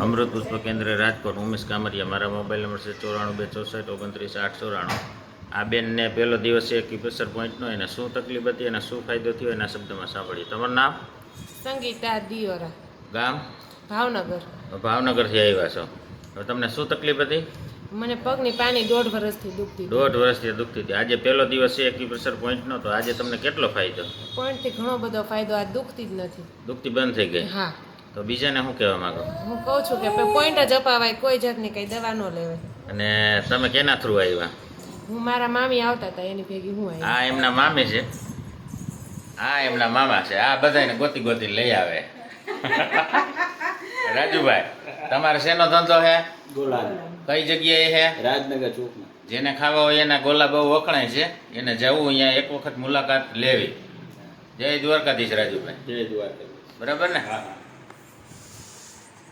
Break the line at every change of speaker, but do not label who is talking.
અમૃત પુષ્પ કેન્દ્ર રાજકોટ ઉમેશ કામરિયા મારા મોબાઈલ નંબર છે 94 264 29 894 આ બેનને પહેલો દિવસ છે એક્યુપ્રેશર પોઈન્ટનો એને શું તકલીફ હતી અને શું ફાયદો થયો એના શબ્દમાં સાંભળીએ. તમારું નામ?
સંગીતા દિયોરા,
ગામ?
ભાવનગર.
ભાવનગરથી આવ્યા છો. હવે તમને શું તકલીફ હતી?
મને પગની પાની 1.5 વર્ષથી દુખતી હતી.
1.5 વર્ષથી દુખતી હતી. આજે પહેલો દિવસ છે એક્યુપ્રેશર પોઈન્ટનો, તો આજે તમને કેટલો ફાયદો?
પોઈન્ટથી ઘણો બધો ફાયદો. આ દુખતી જ નથી.
દુખતી બંધ થઈ ગઈ?
હા.
તો બીજાને શું કહેવા માંગો?
હું કહું છું કે પોઈન્ટ જ અપાવાય, કોઈ જાતની કઈ દવા ન લેવાય.
અને તમે કેના થ્રુ આવ્યા?
હું મારા મામી આવતા હતા એની ભેગી હું આવી.
આ એમના મામી છે, આ એમના મામા છે. આ બધાને ગોતી ગોતી લઈ આવે. રાજુભાઈ, તમારે શેનો ધંધો છે?
ગોલા.
કઈ જગ્યાએ છે?
રાજનગર ચોકમાં.
જેને ખાવા હોય એના ગોલા બહુ વખણાય છે, એને જવું અહીંયા એક વખત મુલાકાત લેવી. જય દ્વારકાધીશ રાજુભાઈ.
જય દ્વારકા.
બરાબર ને?
હા.